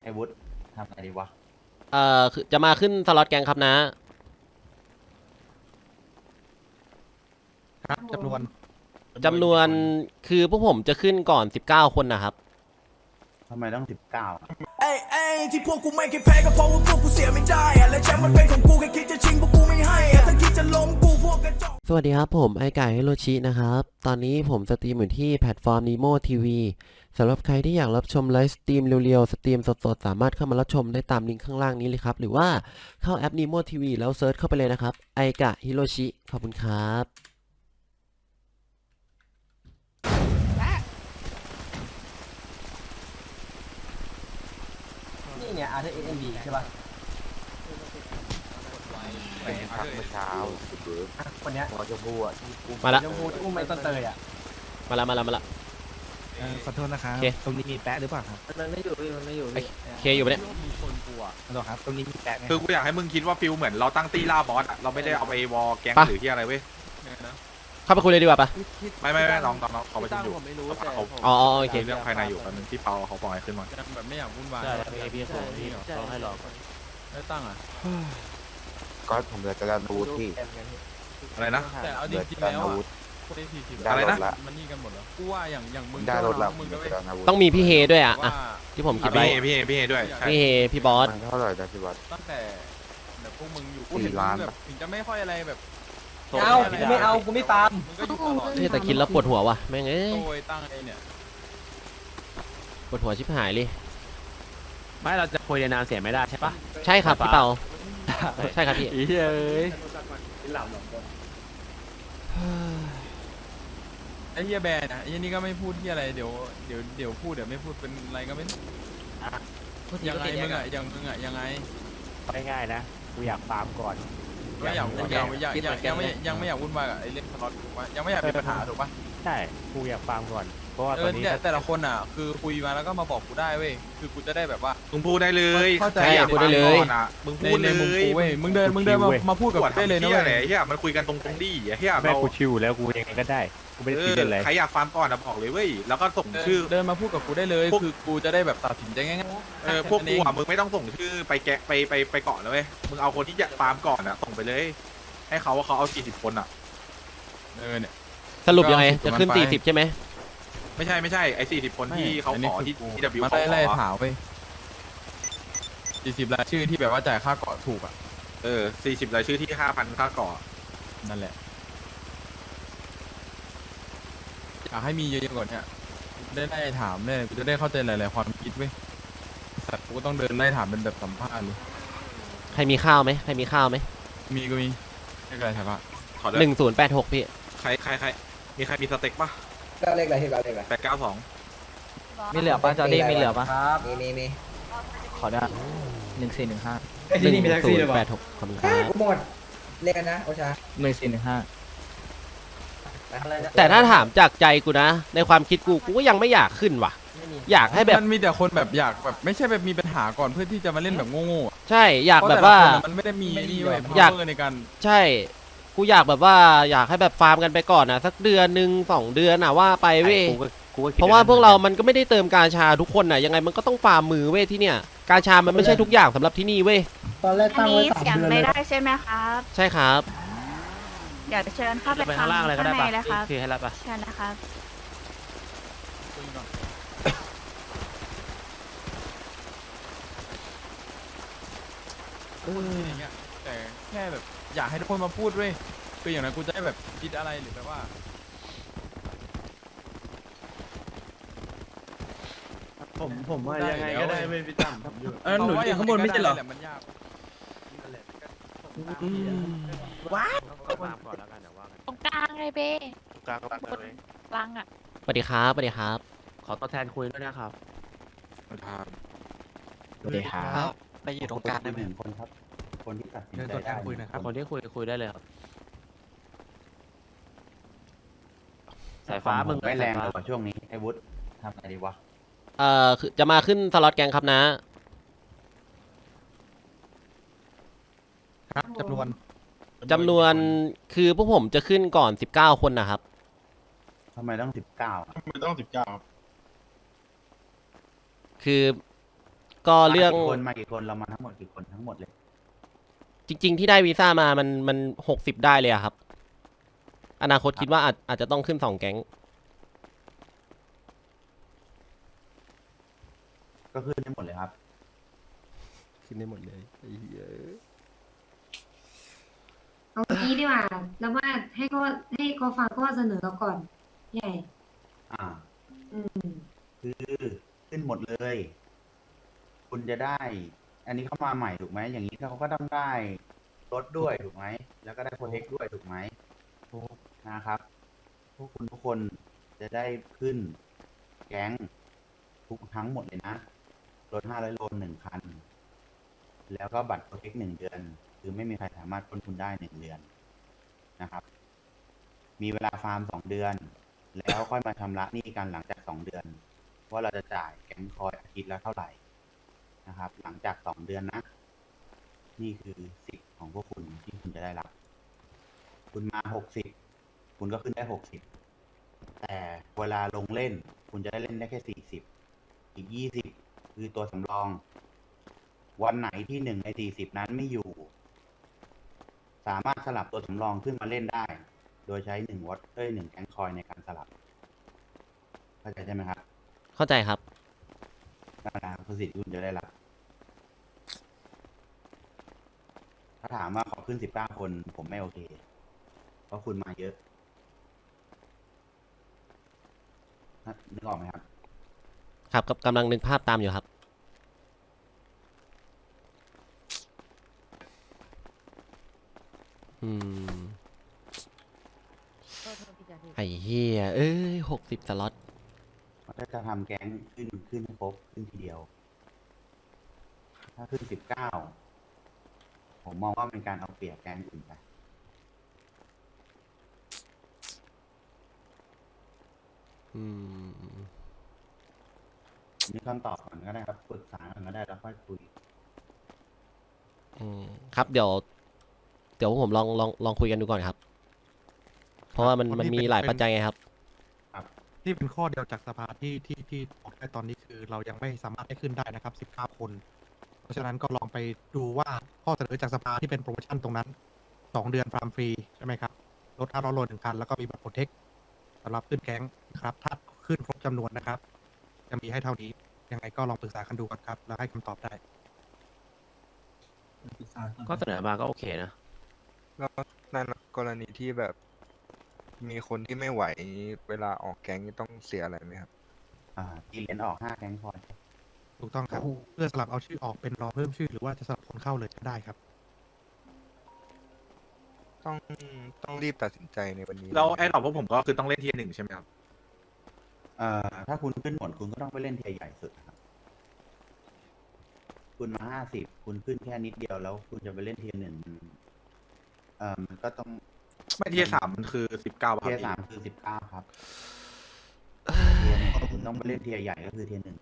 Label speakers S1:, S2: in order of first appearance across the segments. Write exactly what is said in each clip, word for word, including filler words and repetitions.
S1: อ้วุฒิทำอะไรดีวะ
S2: เอ่อคือจะมาขึ้นสล็อตแกงครับนะครับ
S3: จำนวน
S2: จำนวนคือพวกผมจะขึ้นก่อนสิบเก้าคนนะครับ
S1: ทำไมต้องสิบเก้า
S4: เอ้ยเอ้ยที่พวกกูไม่เคยแพ้ก็เพราะว่าพวกกูเสียไม่ได้อะและแชมป์มันเป็นของกูแค่คิดจะชิงพวกกูไม่ให้อะถ้าคิดจะล้มกูพวกกระจอก
S2: สวัสดีครับผมไอไก่ฮิโรชินะครับตอนนี้ผมสตรีมอยู่ที่แพลตฟอร์ม Nemo ที วี สำหรับใครที่อยากรับชมไลฟ์สตรีมเร็วๆสตรีมสดๆสามารถเข้ามารับชมได้ตามลิงก์ข้างล่างนี้เลยครับหรือว่าเข้าแอป Nemo ที วี แล้วเซิร์ชเข้าไปเลยนะครับไอกะฮิโรชิขอบคุณครับ
S3: นี่เนี่ย อาร์ ที เอ็ม บี ใช่ป่ะ
S5: ไปพักเมื่อเช้า
S3: คนเนี้ย
S5: หมอชมพูอ่ะที่อุ้ม
S2: มาละ
S3: ชมพูที่อุ้มไอ้ต้นเตยอ่ะ
S2: มาละมาละมาละ
S6: ขอโทษนะครับ
S2: โอเค
S6: ตรงนี้มีแปะหรือเปล่าครับ
S5: มันไม่อยู่พี่มันไม่อยู่พี่
S2: เคอยู่ปะเนี่ย
S6: ขอโทษครับ ตรงนี้มีแปะไหม
S7: คือกูอยากให้มึงคิดว่าฟิลเหมือนเราตั้งตีล่าบอสอะเราไม่ได้เอาไปวอลแก๊ง
S2: ปะ
S7: หรือที่อะไรเว้ย
S2: เข้าไปคุยเลยดีกว่าปะ
S7: ไม่ไม่ไม่น้องน้องน้องเขาไปชุมอยู่
S5: ผมไม่รู้แต่
S7: เขา
S2: อ๋ออ๋อโอเค
S7: เรื่องภายในอยู่ตอนนึงที่เปาเขาปล่อยขึ้นมา
S8: แบบไม่อยากวุ่นวาย
S5: ใช่พี่พี่ขอพี่เขาให้รอก่อน
S8: ไม่ตั้งอ่ะ
S5: ก็ผมเหลือการอาวุธพี่
S7: อะไรนะ
S8: แต่เอาจ
S5: เหลือ
S8: ริงๆ
S5: การ
S8: แล้ว
S5: อา
S8: อ่ะ
S5: วุธ
S8: คนได้สี่สิบ
S5: ได้
S7: อะไร
S5: ร
S7: นะ
S5: ถละ
S8: มันนี่กันหมดแล้วกูว่าอย่างอย่างมึง
S5: ได้รถละ
S8: มึง
S5: เหลื
S8: ก็
S5: อ
S8: ไม่
S5: การอาวุธ
S2: ต้องมีพี่เฮด้วยอ่ะ
S8: ว่า
S2: อ่ะที่ผมคิด
S7: พี่
S2: ไว้
S7: เอพี่เอพี่เอด้วยใช่
S2: พี่เฮพี่บอส
S5: มันเท่าไหร่นะพี่วัด
S8: ตั้งแต่แบบพวกมึงอยู่กู
S5: สี่
S8: เห็น
S5: ล้าน
S8: แบบถึงจะไม่ค่อยอะไรแบบ
S3: เอากูไม่เอากูไม่ตาม
S8: มึงก็อยู่ตลอด
S2: เฮ้ยแต่คิดแล้วปวดหัวว่ะแม่งเอ้ย
S8: โดยตั้งไอ้เนี่ย
S2: ปวดหัวชิบหายเลย
S9: ไม่เราจะคุยในนามเสียไม่ได้ใช่ปะ
S2: ใช่ครับพี่เปาใช่ครับพี่
S9: อีเอ้ย
S8: ไอ้เฮียแบนอ่ะไอ้เฮียนี่ก็ไม่พูดที่อะไรเดี๋ยวเดี๋ยวเดี๋ยวพูดเดี๋ยวไม่พูดเป็นอะไรก็ไม่รู้ยังไงมึงอ่ะยังมึงอ่ะยังไง
S9: ง่ายๆนะกูอยากฟาร์มก่อน
S8: ไม่อยากอยากอยากอยากอยากยังไม่ยังไม่อยากวุ่นวายกับไอ้เรื่องสล็อตถูกปะยังไม่อยากมีปัญหาถูกปะ
S9: ใช่กูอยากฟาร์มก่อนเพราะว่า
S8: เอ
S9: ตอ
S8: อน
S9: นี้
S8: เนี่ยแต่ละคนอ่ะคือคุยมาแล้วก็มาบอกกูได้เว้ยคือกูจะได้แบบว่า
S7: มึงพูดได้เลย
S8: เข้าใจ
S7: ใครอยาก
S2: พูดได้เลย
S7: ฟังก่อนอะมึง
S8: ใน
S7: พูด
S8: ใน
S7: เล
S8: มุม
S7: ย
S8: กูเว้ยมึงเดินมึงเดินมามาพูดกับ
S7: ปวด
S8: กูได้เลยนะ
S7: เฮีย
S8: เว้ย
S7: อะไรเฮียมันคุยกันตรงๆดิเฮีย
S9: แม่
S7: เรา
S9: กูชิวแล้วกูยังไงก็ได้กูไม่ได้
S7: เอ
S9: ติด
S7: อ
S9: เล่นเลย
S7: ใครอยากฟาร์มก่อนอะบอกเลยเว้ยแล้วก็ส่ง
S8: เดิน
S7: ชื่อ
S8: เดินมาพูดกับกูได้เลย
S7: พวก
S8: คือกูจะได้แบบตัดสินใจง่าย
S7: เออพวกกูอะมึงไม่ต้องส่งชื่อไปแกะไปไปไปเกาะแล้วเว้ยมึงเอาคนที่อยากฟาร์มก่อนอะส่งไปเลย ให้เขาว่าเขาเอาสี่สิบคนอะ
S8: เออเนี่ย
S2: สรุปยังไง
S8: ก็
S2: จะขึ้น
S8: มันไป
S2: สี่สิบใช่ไหม
S7: ไม่ใช่ไม่ใช่ไอ้สี่สิบคนที่เขาขอที่ที่ดับบิว
S8: มา
S7: เขา
S8: ไล่
S7: ข
S8: ไล่
S7: อ
S8: ถามไปสี่สิบรายชื่อที่แบบว่าจ่ายค่าเกาะถูกอ่ะ
S7: เออสี่สิบรายชื่อที่ห้าพันค่าเกาะ
S8: นั่นแหละอยากให้มีเยอะๆกว่านี้ได้ไล่ถามได้กูจะได้เข้าใจหลายๆความคิดเว้ยสัตว์กูก็ต้องเดินไล่ถามเป็นแบบสัมภาษณ์เลย
S2: ใครมีข้าวไหมใครมีข้าวไหม
S8: มีก็มีไม่ไกลใช่ปะ
S7: ขอเล
S2: หนึ่
S7: ย
S2: งศูนย์แปดหกพี่
S7: ใครใครใครมีใครมีสเต็กปะ
S3: ก็เลขอะไรที่เราเลขอะไร
S7: แปดเก้าสอง
S5: มีเหลือปะจอร์ดี้มีเหลือปะ
S3: ครับ มีมีมี
S5: ขอได้หนึ่งสี่หนึ่งห้า
S2: หนึ่งศูนย์แปดหกขอบคุณครับ
S3: กูหมด เลขกันนะ โอชา
S5: หนึ่งสี่หนึ่งห้า
S2: แต่ถ้าถามจากใจกูนะ ในความคิดกูกูก็ยังไม่อยากขึ้นว่ะ อยากให้แบบ
S8: มันมีแต่คนแบบอยากแบบไม่ใช่แบบมีปัญหาก่อนเพื่อที่จะมาเล่นแบบโง่ๆอะ
S2: ใช่อยาก
S8: เพระ
S2: แบบว่า
S8: ต่ละคนอะมันไม่ได้มีนี่เว้ย
S2: อยาก
S8: power ในการ
S2: ใช่ กูอยากแบบว่าอยากให้แบบฟาร์มกันไปก่อนนะสักเดือนหนึ่งสองเดือนน่ะว่าไปเว้ย
S9: กูก็กูก็คิด
S2: เพราะว่าพวกเรามันก็ไม่ได้เติมกาชาทุกคนน่ะยังไงมันก็ต้องฟาร์มมือเว้ยที่เนี่ยกาชามันไม่ใช่ทุกอย่างสำหรับที่นี่เว้ย
S10: ตอนแรก
S11: อั
S10: ตั้
S11: น
S10: งไว้
S11: นี้
S10: สาม
S11: เสียง
S10: เดือน
S11: ไม่
S10: เลย
S11: ได้ใช่ไหมครับ
S2: ใช่ครับ
S11: เดี๋ยวเชิญเข้าไป
S9: ไป
S11: ฟั
S9: ข้าง งล่างเลยก็ได้
S11: ข้าง
S9: ปะ
S11: ในเลยครับ
S9: คือให้รับปะ
S11: เชิญนะครับ
S8: อย่างเงี้ยแต่แค่แบบอยากให้ทุกคนมาพูดด้วยคืออย่างนั้นกูจะได้แบบคิดอะไรหรือแบบว่า
S6: ผมผมว่ายังไงก็ได้ไม่พี่ตั้มผมอยู่
S8: เออหนูอยู่ข้างบนไม่ใช่เหรอมันยาก
S3: ว้า
S9: ก็ฟาร์มก่อนแล้วกันเดี๋ยวว่ากัน
S11: ตรงกลางเลยเบ้
S9: กลางรักเลย
S11: กลางอ่ะ
S2: สวัสดีครับสวัสดีครับ
S9: ขอตัวแทนคุยด้วยนะครับ
S5: สวัสดีครับ
S1: ไปอยู่ตรงกลางได้หนึ่งคนครับ คนที่ตัดสินใจได้
S6: คุยนะครับ
S9: คนที่คุยคุยได้เลยครับสายฟ้ามึง
S1: ไม่แรง
S9: สาย
S1: เล
S9: ฟ้าย
S1: ว่ะช่วงนี้ไอ้วุฒิทำอะไรดีวะ
S2: เอ่อคือจะมาขึ้นสล็อตแกงครับนะ
S6: จำนวน
S2: จำนวนคือพวกผมจะขึ้นก่อนสิบเก้าคนนะครับ
S1: ทำไมต้องสิบเก้า
S8: ไม่ต้องสิบเก้า
S2: คือก็เรื่อง
S1: มากี่คนมากี่คนเรามาทั้งหมดกี่คนทั้งหมดเลย
S2: จริง ๆ ที่ได้วีซ่ามามันมันหกสิบได้เลยอะครับ อนาคตคิดว่าอาจอาจจะต้องขึ้นสองแก๊ง
S1: ก็ขึ้นได้หมดเลยครับ
S2: ขึ้นได้หมดเลยไอ้เหี้ย
S10: เอางี้ดีกว่า แล้วว่าให้เขาให้เขาฟังข้อเสนอเราก่อนใหญ่
S1: อ่า
S10: อืม
S1: คือขึ้นหมดเลย คุณจะได้ อันนี้เข้ามาใหม่ถูกไหมอย่างนี้เขาก็ต้องได้รถด้วยถูกไหมแล้วก็ได้โปรเทคด้วยถูกไหมนะครับ พวกคุณทุกคนจะได้ขึ้นแก๊งทุกทั้งหมดเลยนะรถห้าร้อยโลหนึ่งคัน แล้วก็บัตรโปรเทคหนึ่งเดือน คือไม่มีใครสามารถปล้นคุณได้หนึ่งเดือนนะครับ มีเวลาฟาร์มสองเดือน แล้วค่อยมาชำระหนี้กันหลังจากสองเดือน ว่าเราจะจ่ายแก๊งคอยอาทิตย์ละเท่าไหร่นะครับ หลังจากสองเดือนนะ นี่คือสิทธิ์ของพวกคุณที่คุณจะได้รับ คุณมาหกสิบคุณก็ขึ้นได้หกสิบแต่เวลาลงเล่น คุณจะได้เล่นได้แค่สี่สิบอีกยี่สิบคือตัวสำรอง วันไหนที่หนึ่งในสี่สิบนั้นไม่อยู่ สามารถสลับตัวสำรองขึ้นมาเล่นได้ โดยใช้หนึ่งวอตเอ้ยหนึ่งแก๊งคอยในการสลับเข้าใจใช่ไหมครับ
S2: เข้าใจครับ
S1: นั่นแหละคือสิทธิ์ที่คุณจะได้รับ ถ้าถามว่าขอขึ้นสิบเก้าคนผมไม่โอเค เพราะคุณมาเยอะนะนึกออกไหมครับ
S2: ครับกำลังนึกภาพตามอยู่ครับ อืม ไอ้เหี้ยเอ้ยหกสิบสล็อต
S1: ถ้าจะทำแก๊งขึ้นขึ้นให้ครบขึ้นทีเดียว ถ้าขึ้นสิบเก้าผมมองว่าเป็นการเอาเปรียบแก๊งอื่นไป
S2: อืม
S1: มีคำตอบก่อนก็ได้ครับปรึกษากันก็ได้แล้วค่อยคุย
S2: อืมครับเดี๋ยว เดี๋ยวผมลองลองลองคุยกันดูก่อนครับ เพราะว่ามันมันมีหลายปัจจัยไงครับ
S12: ที่เป็นข้อเดียวจากสภาที่ที่ที่ออกได้ตอนนี้คือเรายังไม่สามารถให้ขึ้นได้นะครับสิบเก้าคน เพราะฉะนั้นก็ลองไปดูว่าข้อเสนอจากสภาที่เป็นโปรโมชั่นตรงนั้นสองเดือนฟาร์มฟรีใช่ไหมครับรถห้าร้อยโลหนึ่งคันแล้วก็มีบัตรโปรเทคสำหรับขึ้นแก๊งนะครับถ้าขึ้นครบจำนวนนะครับ จะมีให้เท่านี้ยังไงก็ลองปรึกษากันดูก่อนครับแล้วให้คำตอบได้
S9: ก็เสนอมาก็โอเคนะ
S6: แล้วในกรณีที่แบบมีคนที่ไม่ไหวเวลาออกแก๊งนี่ต้องเสียอะไรไหมครับ
S1: อ่าตีเหรียญออกห้าแก๊งคอย
S12: ถูกต้องครับเพื่อสลับเอาชื่อออกเป็นรอเพิ่มชื่อหรือว่าจะสลับคนเข้าเลยก็ได้ครับ
S6: ต้องต้องรีบตัดสินใจในวันนี้
S7: แล้วไอ้ดอกพวกผมก็คือต้องเล่นเทียร์หนึ่งใช่ไหมครับ
S1: เอ่อถ้าคุณขึ้นหมดคุณก็ต้องไปเล่นเทียร์ใหญ่สุดครับ คุณมาห้าสิบคุณขึ้นแค่นิดเดียวแล้วคุณจะไปเล่นเทียร์หนึ่งเอ่อมันก็ต้อง
S7: ไม่เทียร์สามมันคือสิบเก้าบาท
S1: เทียร์สามคือสิบเก้าครับเทียร์หนึ่งคุณต้องไปเล่นเทียร์ใหญ่ก็คือเทียร์หนึ่ง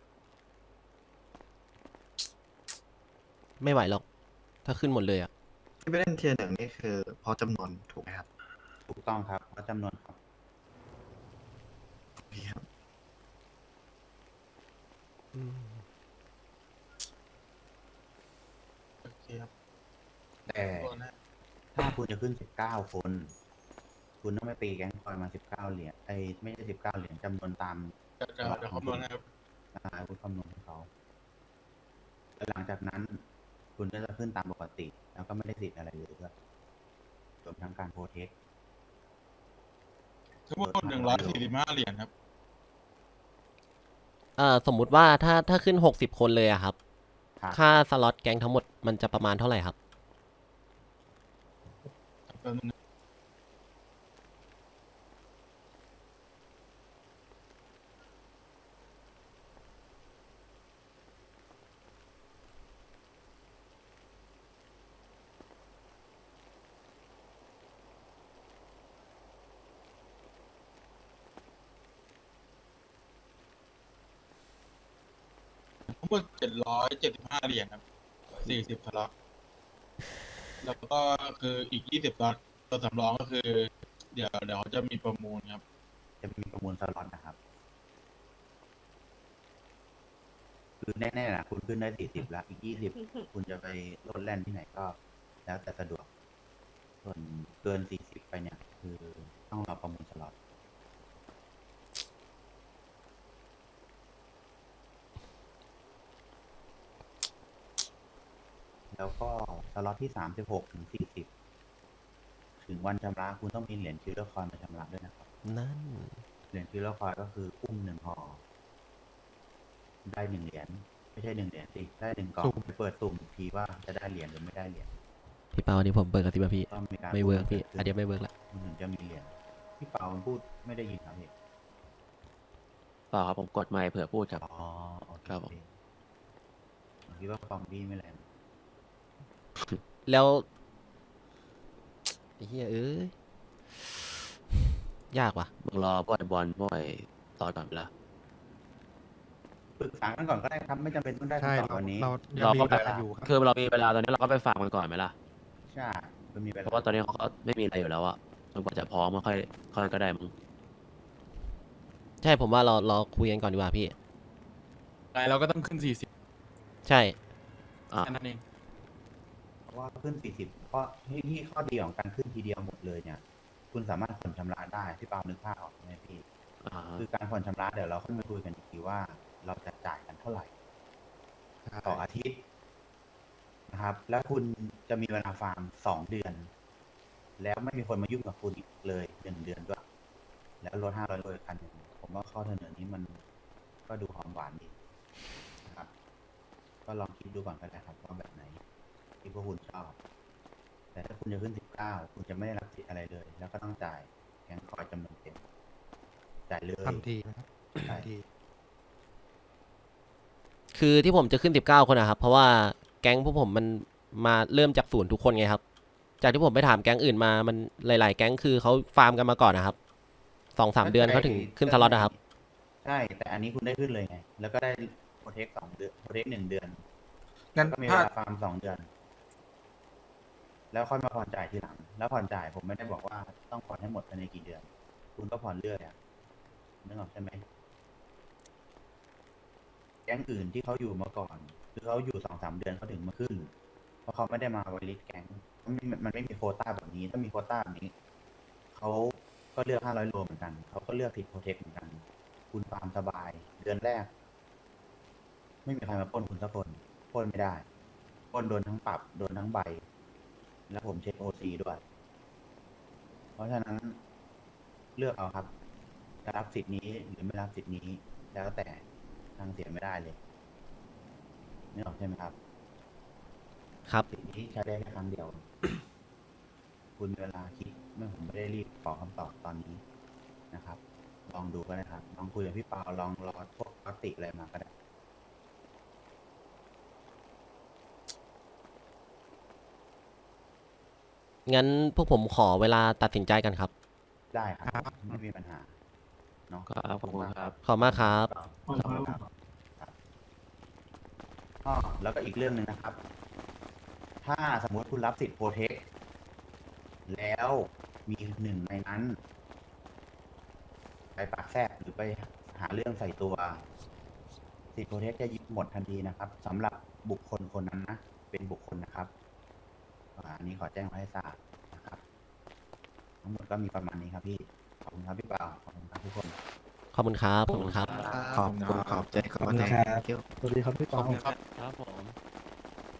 S2: ไม่ไหวหรอก ถ้าขึ้นหมดเลยอ่ะ
S12: ที่ไปเล่นเทียร์หนึ่งนี่คือพอจำนวนถูกไหมครับ
S1: ถูกต้องครับเพราะจำนวนครับ แต่ถ้าคุณจะขึ้นสิบเก้าคน คุณต้องไม่ตีแก๊งคอยมาสิบเก้าเหรียญไอ้ยไม่ใช่สิบเก้าเหรียญจำนวนตามเดี๋ยวคำนวณนะครับอ่าคุณคำนวณให้เขาแล้วหลังจากนั้น คุณก็จะขึ้นตามปกติ แล้วก็ไม่ได้สิทธิ์อะไรเลยด้วยรวมทั้งการโพเทคทั้งหมดหนึ่งร้อยสี่สิบห้าเหรียญครับ
S2: เอ่อสมมุติว่าถ้าถ้าขึ้นหกสิบคนเลยอะครับ
S1: ครับ
S2: ค่าสล็อตแก๊งทั้งหมดมันจะประมาณเท่าไหร่ครับ
S13: ทั้งหมดเจ็ดร้อยเจ็ดสิบห้าเหรียญครับสี่สิบสล็อตแล้วก็คืออีกยี่สิบสล็อตตัวสำรองก็คือ เดี๋ยวเดี๋ยวจะมีประมูลครับ
S1: จะมีประมูลสล็อตนะครับคือแน่ๆนะคุณขึ้นได้สี่สิบแล้วอีกยี่สิบคุณจะไปโลดแล่นที่ไหนก็ แล้วแต่สะดวก ส่วนเกินสี่สิบไปเนี่ย คือต้องรอประมูลสล็อตแล้วก็สล็อตที่สามสิบหกถึงสี่สิบถึงวันชำระคุณต้องมีเหรียญคิวเลอร์คอยน์มาชำระด้วยนะครับ
S2: นั่น
S1: เหรียญคิวเลอร์คอยน์ก็คืออุ้มหนึ่งห่อได้หนึ่งเหรียญไม่ใช่หนึ่งเหรียญสิได้หนึ่งกล่อง
S12: สุ่ม
S1: ไปเปิดสุ่มอีกทีว่าจะได้เหรียญหรือไม่ได้เหรียญ
S2: พี่เปาอันนี้ผมเปิดกับที่พี่
S1: ต้องมีการ
S2: ไม่เวิร์กพี่
S1: พูด
S2: อันเดียวไม่เวิร์กละ
S1: คุณถึงจะมีเหรียญพี่เปาพูดไม่ได้ยินครับพี่
S9: เปล่าครับผมกดไมค์เผื่อพูดครับ
S1: อ๋อโอเค
S9: ครับผม
S1: ผมคิดว่าฟองบี้ไม่แรง
S2: แล้วไอ้เหี้ยเอ้ยยากว่ะ
S9: มึงรอบ่อยบอลบ่อยต่อก่อนเวลา
S1: ปรึกษากันก่อนก็ได้ครับ ไม่จำเป็นต้องได้
S12: ใช่
S1: ต่อ
S12: เรา
S1: วันนี้
S12: เรายัง
S9: เรา
S12: มี
S9: ก็
S12: เว
S9: ไป
S12: ลาอยู่ครับ
S9: คือเรามีเวลาตอนนี้เราก็ไปฝากมันก่อนไหมล่ะ
S1: ใช่มันมีเว
S9: เพ
S1: ลา
S9: ราะว่าตอนนี้เขาก็ไม่มีอะไรอยู่แล้วอะจนกว่าจะพร้อมก็ค่อยค่อยก็ได้มึง
S2: ใช่ผมว่าเราเราคุยกันก่อนดีกว่าพี่
S8: ไรเราก็ต้องขึ้นสี่สิบ
S2: ใช่
S9: อ่ะ
S8: แค่นั้นเอง
S1: เพราะว่าขึ้นสี่สิบเพราะที่ที่ข้อดีของการขึ้นทีเดียวหมดเลยเนี่ย คุณสามารถผ่อนชำระได้พี่เปานึกภาพออกไหมพี่
S9: อ่า
S1: คือการผ่อนชำระเดี๋ยวเราค่อยมาคุยกันอีกทีว่า เราจะจ่ายกันเท่าไหร่ต่ออาทิตย์นะครับ แล้วคุณจะมีเวลาฟาร์มสองเดือน แล้วไม่มีคนมายุ่งกับคุณอีกเลยหนึ่งเดือนด้วย แล้วลดห้าร้อยโลอีกคันหนึ่งผมว่าข้อเสนอนี้มันก็ดูหอมหวานดีนะครับ ก็ลองคิดดูก่อนก็ได้ครับว่าแบบไหนที่พวกคุณชอบ แต่ถ้าคุณจะขึ้นสิบเก้าคุณจะไม่ได้รับสิทธิ์อะไรเลย แล้วก็ต้องจ่ายแกงคอยจำนวนเต็มจ่ายเลย
S12: ทันทีนะครับ
S1: ใช่
S12: ทันที
S2: คือที่ผมจะขึ้นสิบเก้าคนนะครับ เพราะว่าแก๊งพวกผมมันมาเริ่มจากศูนย์ทุกคนไงครับ จากที่ผมไปถามแก๊งอื่นมามันหลาย ๆ แก๊งคือเขาฟาร์มกันมาก่อนนะครับสองสามเดือนเขาถึงขึ้นสล็อตนะครับ
S1: ใช่ แต่อันนี้คุณได้ขึ้นเลยไง แล้วก็ได้โปรเทคสองเดือนโปรเทคหนึ่งเดือน
S6: งั้น
S1: ก็มีเว
S6: ถ้า
S1: ลาฟาร์มสองเดือน แล้วค่อยมาผ่อนจ่ายทีหลัง แล้วผ่อนจ่ายผมไม่ได้บอกว่าต้องผ่อนให้หมดภายในกี่เดือน คุณก็ผ่อนเรื่อยอ่ะนึกออกใช่ไหมแก๊งอื่นที่เขาอยู่มาก่อน คือเขาอยู่สองสามเดือนเขาถึงมาขึ้น เพราะเขาไม่ได้มาไวลิสแก๊งมันไม่มันไม่มีโควต้าแบบนี้ ถ้ามีโควต้าแบบนี้ เขาก็เลือกห้าร้อยโลเหมือนกัน เขาก็เลือกติดโปรเทคเหมือนกัน คุณฟาร์มสบาย เดือนแรก ไม่มีใครมาปล้นคุณสักคนปล้นไม่ได้ปล้นโดนทั้งปรับ โดนทั้งใบ แล้วผมเช็คโอซีด้วย เพราะฉะนั้นเลือกเอาครับ จะรับสิทธิ์นี้หรือไม่รับสิทธิ์นี้ แล้วแต่ทางเสียไม่ได้เลยนึกออกใช่ไหมครับ
S2: ครับ
S1: สิทธิ์นี้ใช้ได้แค่ครั้งเดียว คุณมีเวลาคิดไม่ผมไม่ได้รีบขอคำตอบตอนนี้นะครับ ลองดูก็ได้ครับ ลองคุยกับพี่เปาลองรอพวกปกติอะไรมาก็ได้
S2: งั้นพวกผมขอเวลาตัดสินใจกันครับ
S1: ได้ครับ ไม่มีปัญหาเนาะ
S9: ครับขอบคุณครับ
S2: ขอบคุณมากครับ
S1: ขอบคุณครับครับอ้อแล้วก็อีกเรื่องหนึ่งนะครับ ถ้าสมมติคุณรับสิทธิ์โปรเทค แล้วมีหนึ่งในนั้น ไปปากแทรกหรือไปหาเรื่องใส่ตัว สิทธิ์โปรเทคจะยึดหมดทันทีนะครับสำหรับบุคคลคนนั้นนะ เป็นบุคคลนะครับอ่าอันนี้ขอแจ้งไว้ให้ทราบนะครับ ทั้งหมดก็มีประมาณนี้ครับพี่ ขอบคุณครับพี่เปาขอบคุณครับทุกคน
S2: ขอบคุณครับ ขอบคุณครับ
S6: ขอบคุณขอบใจขอบคุณ
S3: สวัสดีครับพี่ปอง
S9: ครับผม